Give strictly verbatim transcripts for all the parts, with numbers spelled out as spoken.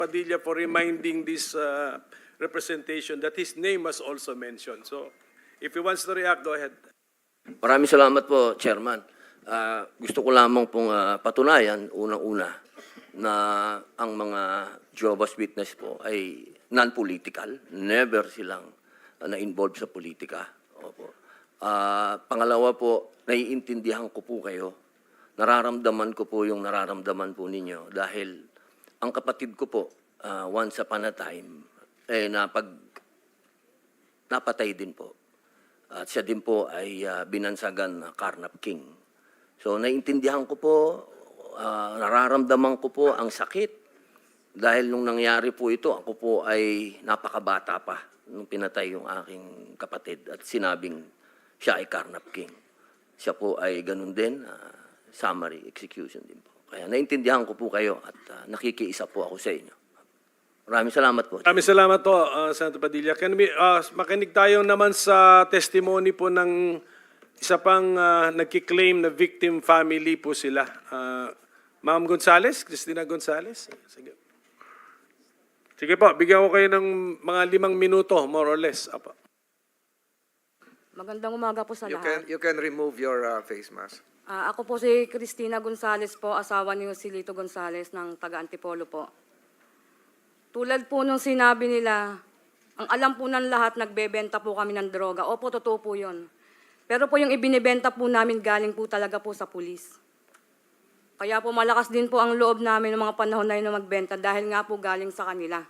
Padilla for reminding this uh, representation that his name was also mentioned. So, if he wants to react, go ahead. Maraming salamat po, Chairman. Ah, gusto ko lamang pong ah, patunayan, unang-una, na ang mga Jehovah's Witness po ay non-political. Never silang ah, na-involve sa politika. Opo. Ah, pangalawa po, naiintindihan ko po kayo. Nararamdaman ko po yung nararamdaman po ninyo dahil ang kapatid ko po, ah, once upon a time, eh, napag, napatay din po. At siya din po ay uh, binansagan na Carnap King. So naiintindihan ko po, uh, nararamdaman ko po ang sakit. Dahil nung nangyari po ito, ako po ay napakabata pa nung pinatay yung aking kapatid at sinabing siya ay Carnap King. Siya po ay ganun din, uh, summary execution din po. Kaya naiintindihan ko po kayo at uh, nakikiisa po ako sa inyo. Maraming salamat po. Maraming salamat po, uh, Senator Padilla. Can we, uh, makinig tayo naman sa testimony po ng isa pang uh, nagkiklaim na victim family po sila. Uh, Ma'am Gonzales, Cristina Gonzales. Sige. Sige po, bigyan ko kayo ng mga limang minuto, more or less. Apa. Magandang umaga po sa You lahat. can, you can remove your uh, face mask. Ah, ako po si Cristina Gonzales po, asawa ni Joselito Gonzales ng taga Antipolo po. Tulad po nung sinabi nila, ang alam po ng lahat, nagbebenta po kami ng droga. Opo, totoo po yun. Pero po yung ibinibenta po namin galing po talaga po sa pulis. Kaya po malakas din po ang loob namin ng mga panahon na yun na magbenta dahil nga po galing sa kanila.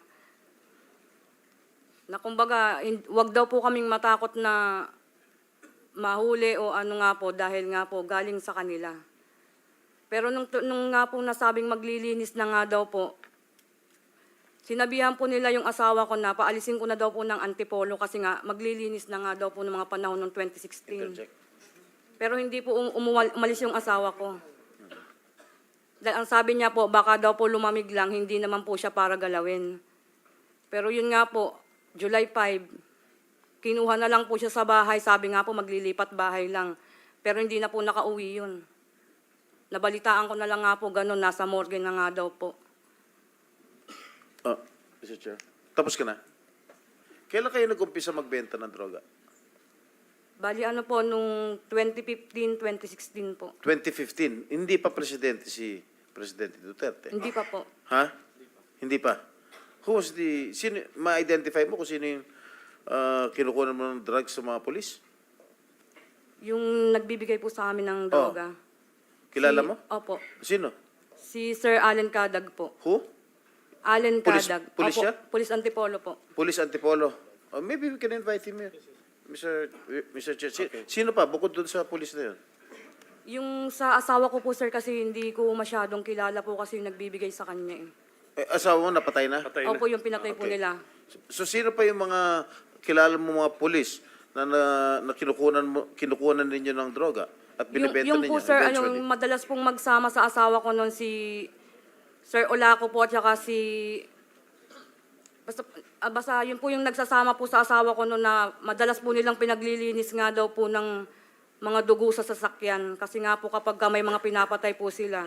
Na kumbaga, hin- wag daw po kaming matakot na mahuli o ano nga po dahil nga po galing sa kanila. Pero nung, nung nga po nasabing maglilinis na nga daw po, sinabihan po nila yung asawa ko na paalisin ko na daw po ng Antipolo kasi nga maglilinis na nga daw po ng mga panahon ng twenty sixteen. Pero hindi po um- umuwal- umalis yung asawa ko. Dahil ang sabi niya po, baka daw po lumamig lang, hindi naman po siya para galawin. Pero yun nga po, July fifth, kinuha na lang po siya sa bahay, sabi nga po maglilipat bahay lang. Pero hindi na po nakauwi yun. Nabalitaan ko na lang nga po ganun, nasa morgue na nga daw po. Oh, Mister Chair. Tapos ka na. Kailan kayo nag-umpisa magbenta ng droga? Bali ano po, nung twenty fifteen, twenty sixteen po. twenty fifteen. Hindi pa presidente si Presidente Duterte. Hindi pa po. Ha? Hindi pa. Who was the... Sino, ma-identify mo kung sino yung uh, kinukunan mo ng drugs sa mga polis? Yung nagbibigay po sa amin ng droga. Kilala Si- mo? Opo. Sino? Si Sir Allen Cadag po. Who? Allen Pulis- Cadag. pulis Opo, siya? Pulis Antipolo po. Police Antipolo. Oh, maybe we can invite him here. Mister Mister Chair. Si- Sino pa? Bukod doon sa police na yun? Yung sa asawa ko po, sir, kasi hindi ko masyadong kilala po kasi yung nagbibigay sa kanya eh. Eh, asawa mo napatay na? Patay na. Opo, yung pinatay po Okay. nila. So sino pa yung mga kilala mo mga pulis na, na, na kinukunan, mo, kinukunan ninyo ng droga at Yung, binibenta yung ninyo po, sir, ano, eventually? madalas pong magsama sa asawa ko noon si Sir Olaco po at saka si... Basta, ah, basta yun po yung nagsasama po sa asawa ko noon na madalas po nilang pinaglilinis nga daw po ng mga dugo sa sasakyan. Kasi nga po kapag ka may mga pinapatay po sila,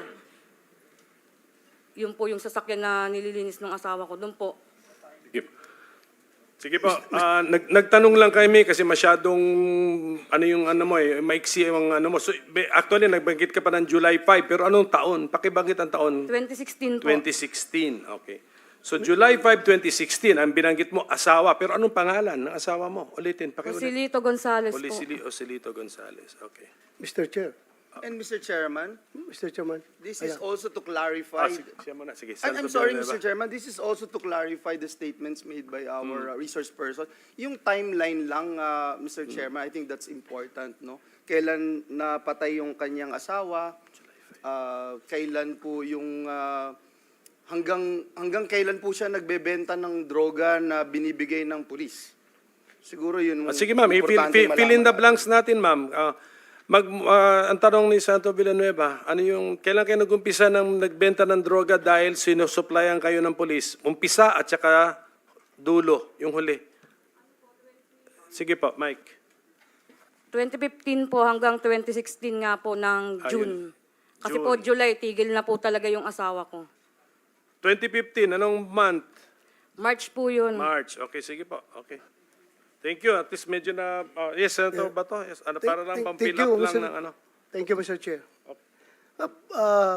yun po yung sasakyan na nililinis ng asawa ko. Doon po. Sige. Sige po, ah, nag, nagtanong lang kami kasi masyadong, ano yung ano mo eh, maiksi yung ano mo. So, be- actually, nagbanggit ka pa ng July fifth, pero anong taon? Pakibanggit ang taon? twenty sixteen po. twenty sixteen, okay. So, July fifth, twenty sixteen, ang binanggit mo, asawa. Pero anong pangalan ng asawa mo? Ulitin, pakiulit. Joselito Gonzales po. Olicili Ocelito Gonzales, okay. Mister Chair, And Mister Chairman, Mister Chairman, this is Ayan. also to Ah, clarify. sige, siya muna, sige. I'm, I'm Senator sorry, Villanueva. Mister Chairman. This is also to clarify the statements made by our uh, resource person. Yung timeline lang, uh, Mister Chairman, I think that's important, no? Kailan napatay yung kanyang asawa? Uh, kailan po yung uh, hanggang hanggang kailan po siya nagbebenta ng droga na binibigay ng pulis? Siguro yun. Ah, sige ma'am, i-fill importante fill, fill in the malaman. blanks natin ma'am. Ah, mag, ah, ang tanong ni Senator Villanueva, ano yung, kailan kayo nag-umpisa ng nagbenta ng droga dahil sinusuplayan kayo ng polis? Umpisa at saka dulo, yung huli. Sige po, Mike. twenty fifteen po hanggang twenty sixteen nga po ng Ayun. June. Kasi June. po July, tigil na po talaga yung asawa ko. twenty fifteen, anong month? March po yun. March. Okay, sige po. Okay. Thank you. At least medyo na... uh, yes, Senator Yeah. Bato. Yes, ano, Thank- para lang thank- pang-fill thank you, up lang Mister ng ano. Thank you, Mister Chair. Uh, uh,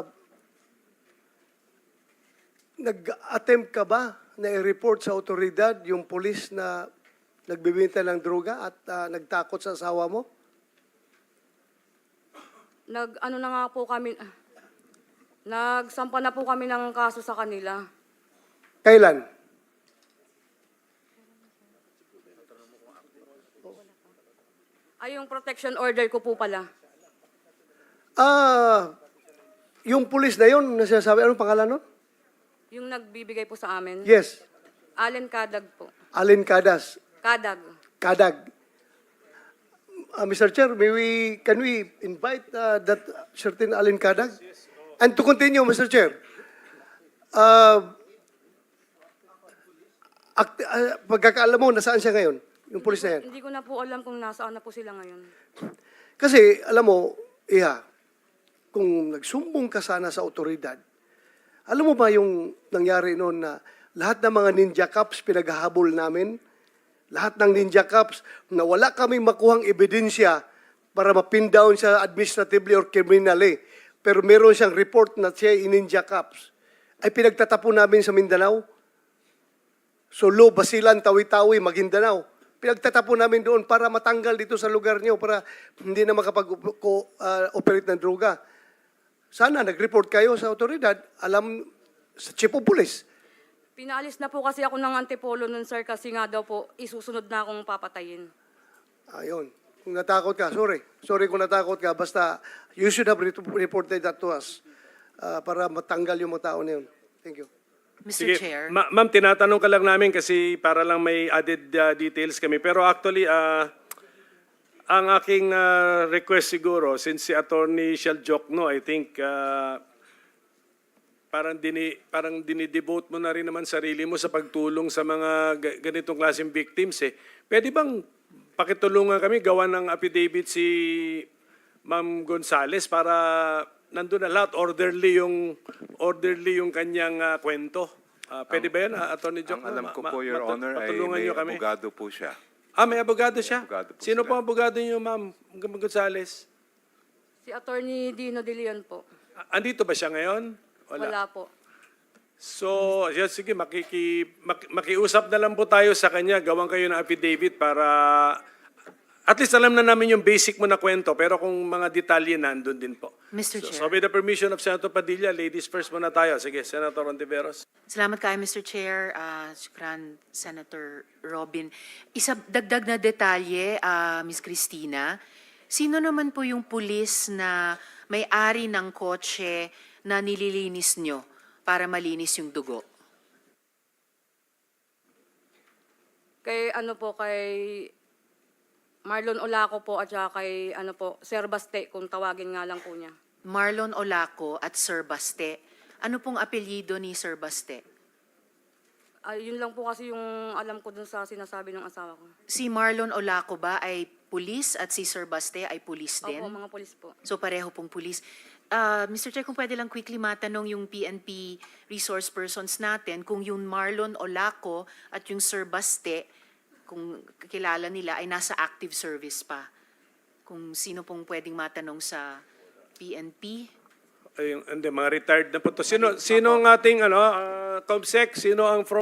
nag-attempt ka ba na i-report sa otoridad yung polis na nagbibenta ng droga at uh, nagtakot sa asawa mo? Nag, ano na nga po kami, ah, nagsampa na po kami ng kaso sa kanila. Kailan? Ay, yung protection order ko po pala. Ah, yung pulis na yun, na sinasabi, anong pangalan nun? Yung nagbibigay po sa amin. Yes, Allen Kadag po. Alin Cadas. Kadag. Kadag. Uh, Mister Chair, may we, can we invite uh, that certain Alin Kadag? And to continue, Mister Chair, uh, act, uh, pagkakaalam mo, nasaan siya ngayon? Yung pulis na yan? Hindi ko na po alam kung nasaan na po sila ngayon. Kasi, alam mo, Iha, kung nagsumbong ka sana sa otoridad, alam mo ba yung nangyari noon na lahat ng mga ninja cops pinaghahabol namin? Lahat ng ninja cops na wala kaming makuhang ebidensya para mapin down siya administratively or criminally. Pero meron siyang report na siya ay ninja cops. Ay pinagtatapon namin sa Mindanao. Solo, Basilan, Tawi-Tawi, Maguindanao. Pinagtatapon namin doon para matanggal dito sa lugar niyo para hindi na makapag-operate ng droga. Sana nag-report kayo sa otoridad, alam sa chief of police. Pinaalis na po kasi ako ng Antipolo nun, sir, kasi nga daw po, isusunod na akong papatayin. Ayun. Kung natakot ka, sorry. Sorry kung natakot ka. Basta, you should have re- reported that to us uh, para matanggal yung mga tao na yun. Thank you. Mister Chair. Ma- ma'am, tinatanong ka lang namin kasi para lang may added uh, details kami. Pero actually, uh, ang aking uh, request siguro, since si Attorney Shell Jokno, I think, uh, parang, dini, parang dinidevote mo na rin naman sarili mo sa pagtulong sa mga ga- ganitong klaseng victims. Eh. Pwede bang pakitulungan kami, gawa ng affidavit si Ma'am Gonzales para nandun na lahat, orderly yung, orderly yung kanyang uh, kwento. Uh, pwede ba yan, uh, Attorney Jokno? Ang alam ko Ma- po, Your matu- Honor, ay patulungan may niyo kami. abogado po siya. Ah, may abogado siya? Abogado po Sino sila. po ang abogado niyo, Ma'am Gonzales? Si Attorney Dino De Leon po. Ah, Andito ba siya ngayon? Wala. Wala po. So, yes, sige, makiki, mak- makiusap na lang po tayo sa kanya. Gawang kayo ng affidavit para at least alam na namin yung basic mo na kwento. Pero kung mga detalye, nandun din po. Mister So, Chair. so with the permission of Senator Padilla, ladies first muna tayo. Sige, Senator Ontiveros. Salamat kayo, Mister Chair. Uh, shukran, Senator Robin. Isa dagdag na detalye, uh, Miz Cristina. Sino naman po yung pulis na may-ari ng kotse na nililinis nyo para malinis yung dugo? Kay ano po, kay Marlon Olaco po at saka kay ano po, Sir Baste, kung tawagin nga lang po niya. Marlon Olaco at Sir Baste. Ano pong apelyido ni Sir Baste? Ay, yun lang po kasi yung alam ko dun sa sinasabi ng asawa ko. Si Marlon Olaco ba ay pulis at si Sir Baste ay pulis din? Opo, mga polis po. So pareho pong pulis. Uh, Mister Chair, kung pwede lang quickly matanong yung P N P resource persons natin kung yung Marlon Olaco at yung Sir Baste, kung kilala nila, ay nasa active service pa. Kung sino pong pwedeng matanong sa P N P? Ay, hindi, mga retired na po to. Sino, sino ang ating ano, uh, Comsec? Sino ang from